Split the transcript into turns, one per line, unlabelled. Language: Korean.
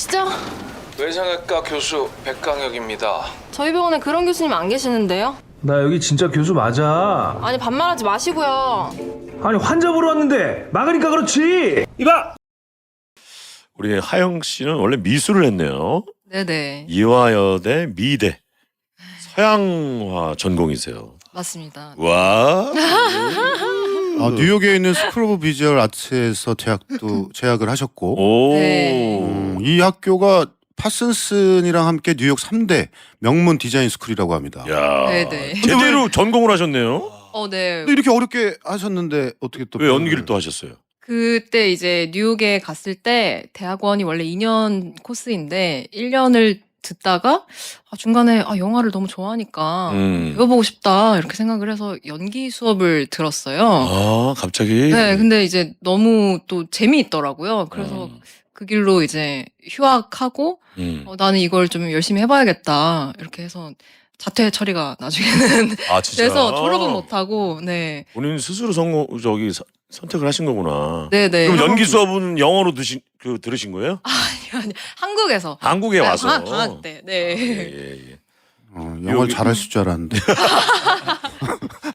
누구시죠?
외상외과 교수 백강혁입니다.
저희 병원에 그런 교수님 안 계시는데요?
나 여기 진짜 교수 맞아.
아니 반말하지 마시고요.
아니 환자 보러 왔는데 막으니까 그렇지. 이봐.
우리 하영 씨는 원래 미술을 했네요.
네네
이화여대 미대 서양화 전공이세요.
맞습니다.
와.
뉴욕에 있는 스쿨 오브 비주얼 아트에서 재학을 하셨고
오.
네.
이 학교가 파슨슨이랑 함께 뉴욕 3대 명문 디자인 스쿨이라고 합니다.
야.
네네.
제대로 전공을 하셨네요.
네.
근데 이렇게 어렵게 하셨는데 어떻게 또
왜 연기를 또 하셨어요?
그때 이제 뉴욕에 갔을 때 대학원이 원래 2년 코스인데 1년을 듣다가 중간에 영화를 너무 좋아하니까 배워보고 싶다 이렇게 생각을 해서 연기 수업을 들었어요.
아, 갑자기.
네, 근데 이제 너무 또 재미있더라고요. 그래서 그 길로 이제 휴학하고 나는 이걸 좀 열심히 해봐야겠다 이렇게 해서 자퇴 처리가 나중에는
아, 진짜.
돼서 졸업은 못하고 네,
본인 스스로 선택을 하신 거구나.
네네.
그럼 연기 수업은 영어로 들으신 거예요?
아니, 한국에서
한국에 와서.
방학 때 네.
예.
영어를 잘하실 줄 알았는데